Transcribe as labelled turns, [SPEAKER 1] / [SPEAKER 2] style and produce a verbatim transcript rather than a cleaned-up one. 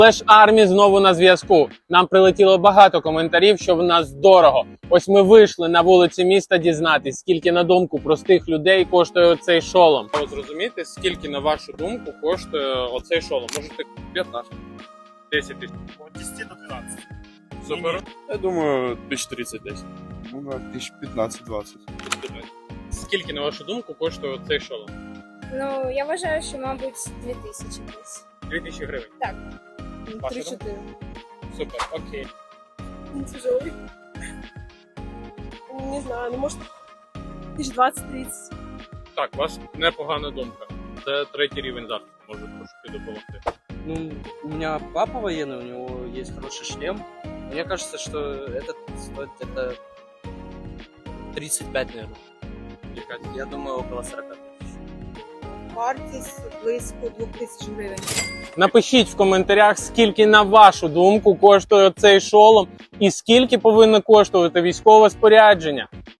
[SPEAKER 1] Флеш Армі знову на зв'язку. Нам прилетіло багато коментарів, що в нас дорого. Ось ми вийшли на вулиці міста дізнатись, скільки, на думку простих людей, коштує оцей шолом. Ви зрозумієте, скільки, на вашу думку, коштує оцей шолом? Можете п'ятнадцять, десять тисяч.
[SPEAKER 2] От десять до двенадцати.
[SPEAKER 1] Супер.
[SPEAKER 3] Я думаю, тысяч тридцать десь. Ну, да, тысяч пятнадцать-двадцать.
[SPEAKER 1] Скільки, на вашу думку, коштує оцей шолом?
[SPEAKER 4] Ну, я вважаю, що, мабуть, дві тисячі десь.
[SPEAKER 1] Дві тисячі гривень.
[SPEAKER 4] Так.
[SPEAKER 1] Ваша
[SPEAKER 4] Три-чотири.
[SPEAKER 1] Супер, окей.
[SPEAKER 5] Он тяжелый. Не знаю, ну может тысяч двадцать-тридцать.
[SPEAKER 1] Так, у вас непогана думка. Це третій рівень захисту, може трошки допомогти.
[SPEAKER 6] Ну, у меня папа военный, у него есть хороший шлем. Мне кажется, что этот стоит где-то тридцать пять, наверное. Я думаю, около сорок тысяч.
[SPEAKER 5] Вартість близько двох тисяч гривень.
[SPEAKER 1] Напишіть в коментарях, скільки, на вашу думку, коштує цей шолом і скільки повинно коштувати військове спорядження.